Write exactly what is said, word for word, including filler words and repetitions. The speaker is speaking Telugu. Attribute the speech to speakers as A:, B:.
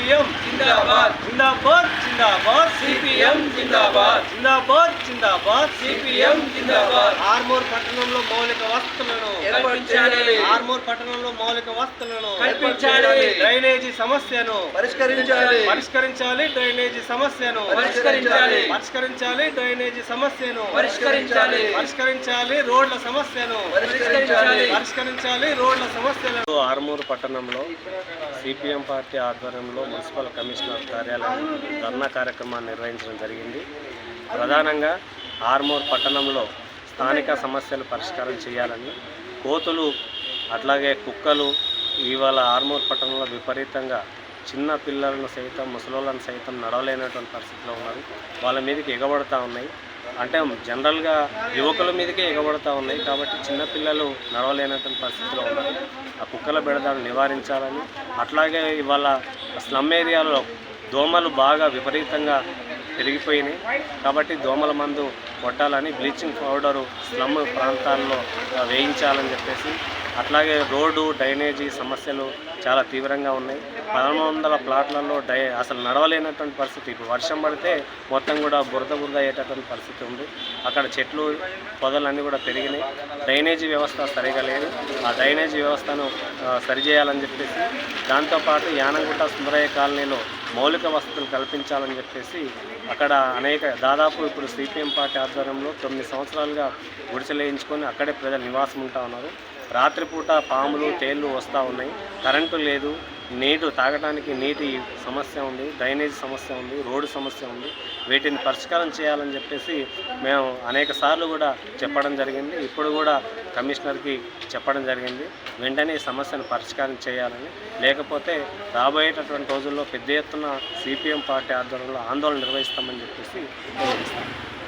A: సిపిఎం జిందాబాద్ జిందాబాద్ జిందాబాద్ సిపిఎం జిందాబాద్ జిందాబాద్ జిందాబాద్ సిపిఎం జిందాబాద్ ఆర్మూర్ పట్టణంలో మౌలిక వసతులను కల్పించాలి ఆర్మూర్ పట్టణంలో మౌలిక వసతులను కల్పించాలి డ్రైనేజీ సమస్యను పరిష్కరించాలి పరిష్కరించాలి డ్రైనేజీ సమస్యను పరిష్కరించాలి పరిష్కరించాలి డ్రైనేజీ సమస్యను పరిష్కరించాలి పరిష్కరించాలి రోడ్ల సమస్యను పరిష్కరించాలి పరిష్కరించాలి రోడ్ల సమస్యలను ఆర్మూర్ పట్టణంలో సిపిఎం పార్టీ ఆధ్వర్యంలో మున్సిపల్ కమిషనర్ కార్యాలయం ధర్నా కార్యక్రమాన్ని నిర్వహించడం జరిగింది. ప్రధానంగా ఆర్మూర్ పట్టణంలో స్థానిక సమస్యలు పరిష్కారం చేయాలని, కోతులు అట్లాగే కుక్కలు ఇవాళ ఆర్మూర్ పట్టణంలో విపరీతంగా చిన్న పిల్లలను సైతం ముసలోళ్ళను సైతం నడవలేనటువంటి పరిస్థితిలో ఉన్నారు. వాళ్ళ మీదకి ఎగబడతా ఉన్నాయి. అంటే జనరల్గా యువకుల మీదకే ఎగబడతా ఉన్నాయి కాబట్టి చిన్నపిల్లలు నడవలేనటువంటి పరిస్థితిలో ఉన్నారు. ఆ కుక్కల బెడదను నివారించాలని, అట్లాగే ఇవాళ స్లమ్ ఏరియాలో దోమలు బాగా విపరీతంగా పెరిగిపోయినాయి కాబట్టి దోమల మందు కొట్టాలని, బ్లీచింగ్ పౌడరు స్లమ్ ప్రాంతాల్లో వేయించాలని చెప్పేసి, అట్లాగే రోడ్డు డ్రైనేజీ సమస్యలు చాలా తీవ్రంగా ఉన్నాయి. పదమూడు వందల ప్లాట్లలో డై అసలు నడవలేనటువంటి పరిస్థితి. ఇప్పుడు వర్షం పడితే మొత్తం కూడా బురద బురద అయ్యేటటువంటి పరిస్థితి ఉంది. అక్కడ చెట్లు పొదలన్నీ కూడా పెరిగినాయి. డ్రైనేజీ వ్యవస్థ సరిగా లేదు. ఆ డ్రైనేజీ వ్యవస్థను సరిచేయాలని చెప్పేసి, దాంతోపాటు యానంగుట్ట సుందరయ్య కాలనీలో మౌలిక వసతులు కల్పించాలని చెప్పేసి అక్కడ అనేక దాదాపు ఇప్పుడు సిపిఎం పార్టీ ఆధ్వర్యంలో తొమ్మిది సంవత్సరాలుగా గుడిసెలేయించుకొని అక్కడే ప్రజలు నివాసం ఉంటా ఉన్నారు. రాత్రిపూట పాములు తేళ్ళు వస్తూ ఉన్నాయి. కరెంటు లేదు, నీరు తాగడానికి నీటి సమస్య ఉంది, డ్రైనేజ్ సమస్య ఉంది, రోడ్డు సమస్య ఉంది. వీటిని పరిష్కారం చేయాలని చెప్పేసి మేము అనేక సార్లు కూడా చెప్పడం జరిగింది. ఇప్పుడు కూడా కమిషనర్కి చెప్పడం జరిగింది. వెంటనే ఈ సమస్యను పరిష్కారం చేయాలని, లేకపోతే రాబోయేటటువంటి రోజుల్లో పెద్ద ఎత్తున సిపిఎం పార్టీ ఆధ్వర్యంలో ఆందోళన నిర్వహిస్తామని చెప్పేసి తెలియజేస్తాం.